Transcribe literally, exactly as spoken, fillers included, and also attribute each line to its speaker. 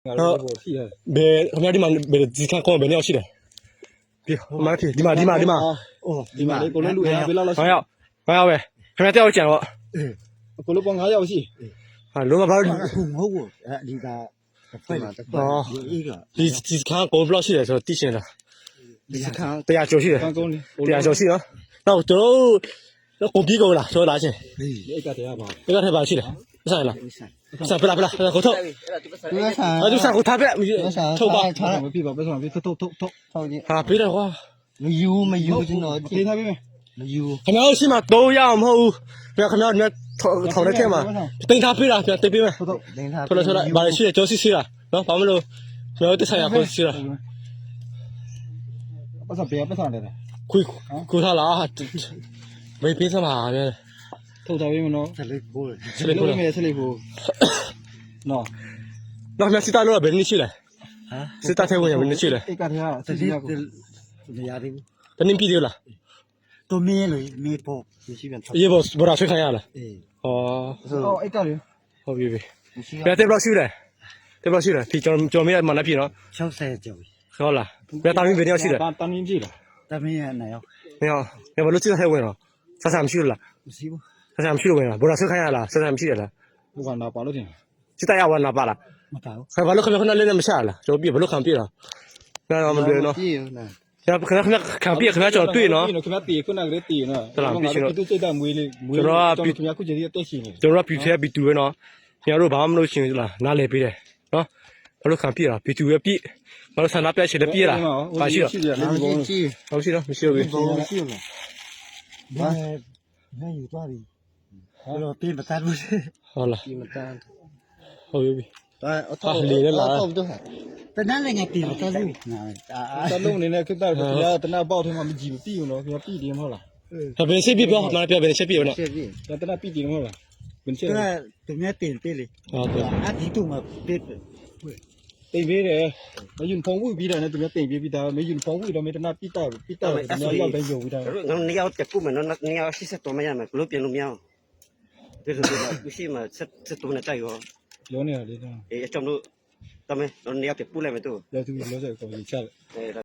Speaker 1: ဘယ်ခင်ဗျားဒီမှာဘယ်ဒီခါကောဘယ်နှစ်ယောက်ရှိတယ်ဒီမှာဒီမှာဒီမှာဒီမှာ
Speaker 2: အိုးဒီမှာကိုလည်းလူရဘယ်လောက်လောက်
Speaker 1: ငါရောက်ငါရောက်ပဲခင်ဗျားတယောက်ကြံတော့
Speaker 2: ကိုလည်းပေါင်း၅ယောက်ရှိ
Speaker 1: ဟာလုံးဝဘာလို့
Speaker 2: မဟုတ်ဘူးအဲဒီကဖိုက်မှာတော့ဒီက
Speaker 1: ဒီဒီခါကောဘယ်လောက်ရှိတယ်ဆိုတော့သိရှင်လား
Speaker 2: ဒီခါ
Speaker 1: တရားကျော်ရှိတယ်တရားကျော်ရှိနော်တော့ကျွန်တော်တော့ကိုပြီးကုန်လားဆိုလားရှင်
Speaker 2: ဒီအိတ်ကတရားပါ
Speaker 1: အိတ်ကထဲပါရှိတယ်ဆိုင်လားဆိုင်ပလာပလာကိုထုတ်
Speaker 2: ဒီကဆိုင်
Speaker 1: အဲ့ဒီဆိုင်ကိုထားပြထုတ်ပါ
Speaker 2: ထားမပြပါဘယ်ဆောင်ပြထုတ်ထုတ်ထုတ်ထုတ်ကြီး
Speaker 1: ဟာပေးတယ်ကွာ
Speaker 2: မယူမယူကျွန်တော်ပြေးထားပေးမယ်မယူ
Speaker 1: ခင်ဗျားတို့ရှိမှတော့ရအောင်မဟုတ်ဘူးခင်ဗျားခင်ဗျားတို့ထောင်တဲ့ထဲမှာတင်ထားပေးတာပြန်တင်ပေးမယ်
Speaker 2: ထုတ်ထုတ်တင်ထား
Speaker 1: ထုတ်လို့ထုတ်လိုက်ဘာလို့ရှိတယ်ကျော်စီစီလားနော်ဘာမလို့ကျွန်တော်တက်ဆိုင်ရခွင့်စီလား
Speaker 2: ပတ်စံပေးပတ်စံတယ်
Speaker 1: ခွေခွေထားလားမေးပေးစမှာပဲ
Speaker 2: ထုတ်ထားပေးမနော်ဆက်လေးပိုးဆက်လေးပိုးမယ်ဆက်လေးပိုးနော်
Speaker 1: နော်မြတ်စီတာလို့ဘယ်နည်းရှိလဲ
Speaker 2: ဟမ်
Speaker 1: စစ်တာထဲဝင်ရဘယ်နည်းရှိလဲ
Speaker 2: အိတ်ကတရားဆက်လေးမရသေးဘူး
Speaker 1: ဘယ်နည်းပြည်သေးလား
Speaker 2: တော့မင်းလေမေးဖို့မရှိပြန်
Speaker 1: အေးဘောဘောရာဆွေးခံရလား
Speaker 2: အေး
Speaker 1: ဟော
Speaker 2: ဟောအိတ်ကလေ
Speaker 1: ဟုတ်ပြီပြီဘယ်တဲ့ဘလောက်ရှိလဲတဲ့ဘလောက်ရှိလဲဒီကျွန်တော်ကျွန်တော်မရမှလည်းပြည်နော်
Speaker 2: ၆၀ကျော်ပြီ
Speaker 1: ဟုတ်လားဘယ်တာမင်းဘယ်ရောက်ရှိလဲ
Speaker 2: တာမင်းပြည်လားတာမင်းရနေရော
Speaker 1: မင်းဟောဘယ်လိုစစ်တာထဲဝင်တော့ဆက်ဆံမရှိလား
Speaker 2: မရှိဘူး
Speaker 1: ဆက်ဆံမရှိလို့ဝင်လားဘောရာဆွေးခံရလားဆက်ဆံမရှိရလား
Speaker 2: ဘုကနာပါလို့တင်
Speaker 1: စစ်တာရဝနာပါလား
Speaker 2: မပါဘူး
Speaker 1: ခါဘာလို့ခဏခဏလေးနဲ့မရှာလားကျွန်တော်ပြဘလို့ခံပြလားနားမတွေ့နော်
Speaker 2: ပြည့်နော်
Speaker 1: ခဏခဏခဏခံပြခဏကျွန်တော်တွေ့နော်
Speaker 2: ခင်ဗျာတီခုနကလေးတီနော်
Speaker 1: ဟုတ်လားပြီးရှင်တော့
Speaker 2: သူစိတ်တမွေးလေးမွေးကျွန်တော်ခင်ဗျာခုချိန်ကြီးအသက်ရှင်နေ
Speaker 1: ကျွန်တော်ကဘီထဲဘီတူပဲနော်ခင်ဗျားတို့ဘာမှမလုပ်ရှင်လားနားလည်ပေးတယ်နော်ဘာလို့ခံပြတာဘီတူပဲပြည့်ဘာလို့ဆန္ဒပြရှင်လည်းပြည့်လားပါရှိတော့
Speaker 2: ရှိတယ်လား
Speaker 1: ဟုတ်ရှိတော့မရှိဘူး
Speaker 2: ရှိလားဘာငါယူသွားပြီကျွန်တော်ပြင်မတတ်ဘူး
Speaker 1: ဟုတ်လား
Speaker 2: ပြင်မတတ်
Speaker 1: ဟုတ်ပြီ
Speaker 2: ဒါအထောက်
Speaker 1: လေးလည်းလာ
Speaker 2: တနန်းလည်းငါပြင်မတတ်ဘူးတလုံးအနေနဲ့ခက်တာခင်ဗျာတနပေါက်ထဲမှာမကြည့်ဘူးပြီးဘူးနော်ခင်ဗျာပြီးတယ်မဟုတ်လား
Speaker 1: ဒါဘယ်စိတ်ပြပြောမှလည်းပြောဘယ်ချက်ပြနော်
Speaker 2: ချက်ပြီးဒါတနပြီးတယ်မဟုတ်လားဘယ်ချက်လဲတမက်တင်ပေးလေ
Speaker 1: ဟုတ်ကဲ့
Speaker 2: အဒီတူမှာပေးတိတ်ပေးတယ်မယွန်းဖုံးဝိပြီးတာနဲ့တမက်တင်ပေးပြီးတာမယွန်းဖုံးဝိတော့မတနာပြီးတာပြီးတာတမက်ရောက်တိုင်းယုံပြီးတာ
Speaker 3: ငါနေရောက်တက်ကူမယ်နော်နေရောက်ရှိစက်တော်မရမယ်ဘလို့ပြင်လို့မရအောင်ဒီလိုလိုရှိမှစက်စက်တော်နဲ့တိုက်ရော
Speaker 2: ပြောနေရလေ
Speaker 3: အေးအကြောင်းတို့တမဲနေရောက်တက်ပူလိုက်မယ်တို့
Speaker 2: လက်သူလောဆက်ကိုချတယ်